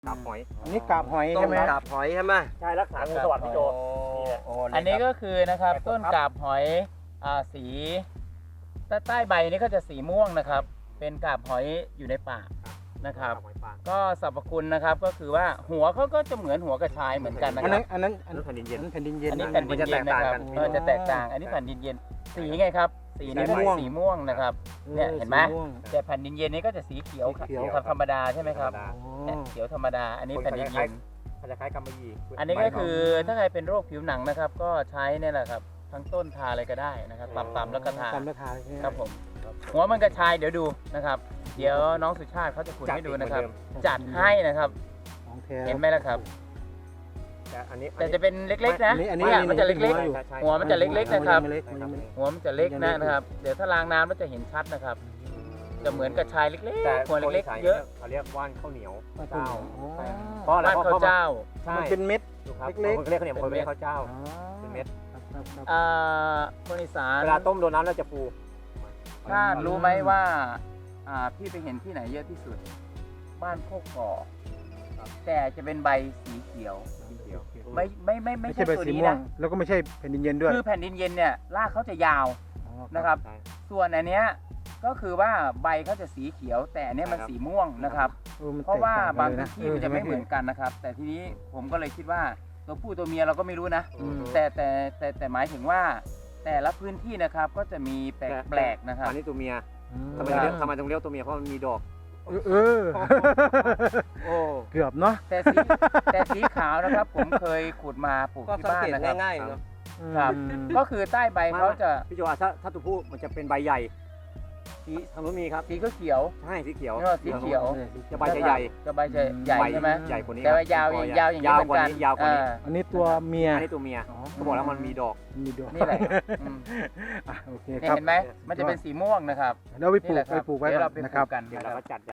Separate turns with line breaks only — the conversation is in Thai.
กาบหอย
อันนี้กาบหอย
ต้
ใช่
น
ไหม
กาบหอยใช่ไหมใช่รักษางูสวัสดิ์พี่โจนี่แหละ
อันนี้ก็คือนะครับต้นกาบหอยสีใต้ใบนี้ก็จะสีม่วงนะครับ เป็นกาบหอยอยู่ในป่านะครับ ก็สรรพคุณนะครับก็คือว่าหัวเขาก็จะเหมือนหัวกระชายเหมือนกันนะ
อัน
ค
นั้
รั
น
บ
อันนั้น
อันนั้นแผ่นดินเย็น
แผ่นดินเย็น
อันนี้แผ่นดินเย็นนะครับจะแตกต่างอันนี้แผ่นดินเย็นสีไงครับสีนี้ก็สีม่วงนะครับเนี่ยเห็นไหมแต่แผ่นดินเย็นนี้ก็จะสีเขียวครับธรรมดาใช่ไหมครับเนี่ยเขียวธรรมดาอันนี้แผ่นดินเย็น
มันจะคล้ายกำมะหยี่
อันนี้ก็คือถ้าใครเป็นโรคผิวหนังนะครับ ก็ใช้เนี่ยแหละครับทั้งต้นทาอะไรก็ได้นะครับตำๆแล้วก็ทา
ตำราคาใช่ไหม
ครับผมหัวมันกระชายเดี๋ยวดูนะครับ เดี๋ยวน้องสุชาติเขาจะขุดให้ดูนะครับ จัดให้นะครับ
ของแท้
เห็นไหมล่ะครับ
แต่อันนี้
แต่จะเป็นเล็กๆนะ
อันนี้
เนี่ยมันจะเล็ก
อยู่
ๆ หัวมันจะเล็กๆนะครับ
มันยังไม่เล็ก
หัวมันจะเล็กนะครับ เดี๋ยวถ้าล้างน้ำแล้วจะเห็นชัดนะครับ จะเหมือนกระชายเล็ก
แต่
ๆหัวเล็กๆเยอะ
เขาเรียกว่านข้าวเหนียว
เจ้า
เพราะอะไร
บ้านข้าวเจ้า
ใช่
มันเป็นเม็ด
ดูครับ
เล็กๆ
คนเรียกข้าวเหนียวคนเรียกข้าวเจ้า
อ๋อ
เป็นเม็ด
ครับ
คนอีสาน
เวลาต้มโดนน้ำแล้วจะฟู
ถ้ารู้ไหมว่าพี่ไปเห็นที่ไหนเยอะที่สุด บ้านโคกก่อแต่จะเป็นใบสีเขียว
เดียว
ไม่
ไม่
ใช่
ใช่ใบ
ตัว
สี
นี้
ม่วง
นะ
แล้วก็ไม่ใช่แผ่นดินเย็นด้วย
คือแผ่นดินเย็นเนี่ยรากเขาจะยาว
อ๋อ
นะครับ
ใช่
ส่วนอันเนี้ยก็คือว่าใบเขาจะสีเขียว แต่อันเนี้ยมัน
ครับ
สีม่วงนะครับ
มัน
เพราะว่า
แตกต่
บาง
กั
พื้นที่มันจะไม่เหมือนกันนะครับ แต่ทีนี้ผมก็เลยคิดว่าตัวผู้ตัวเมียเราก็ไม่รู้นะ แต่หมายถึงว่า แต่ละพื้นที่นะครับก็จะมีแปลกๆนะครับ
อันนี้ตัวเมีย
อืม
ทำไมต้องเรียกตัวเมียเพราะมันมีดอก
เออ
โอ้
เกือบเนาะ
แต่สีขาวนะครับ ผมเคยขุดมาปลูกที่บ้านนะครับ
ง่ายๆเนาะ
ครับ ก็คือใต้ใบเขาจะ
พี่โจถ้าตัวผู้มันจะเป็นใบใหญ่สีทางนู้นมีครับ
สีก็เขียว
ใช่สีเขียว
สีเขียว
จะใบจะใหญ่
จะใบจะใหญ่ใช่ไหม
ใหญ่กว่านี้
แต่ว่ายาวอย่างนี้เหมือนกัน
ยาวกว่านี้
อันนี้ตัวเมีย
อันนี้ตัวเมีย
อ๋อ
เขาบอกแล้วมันมีดอก
มีดอก
นี่แหละอืม
โอเค
เนี่ย
ครับ
เห็นไหมมันจะเป็นสีม่วงนะครับ
แล้วไปปลู
นี่แห
ก
ละครับ
ไว้
เดี๋ยว
ก่
เรา
อน
ไปป
นะค
ลู
รับ
กกัน
เดี๋ยว
นะค
เรา
รับ
ก็จัด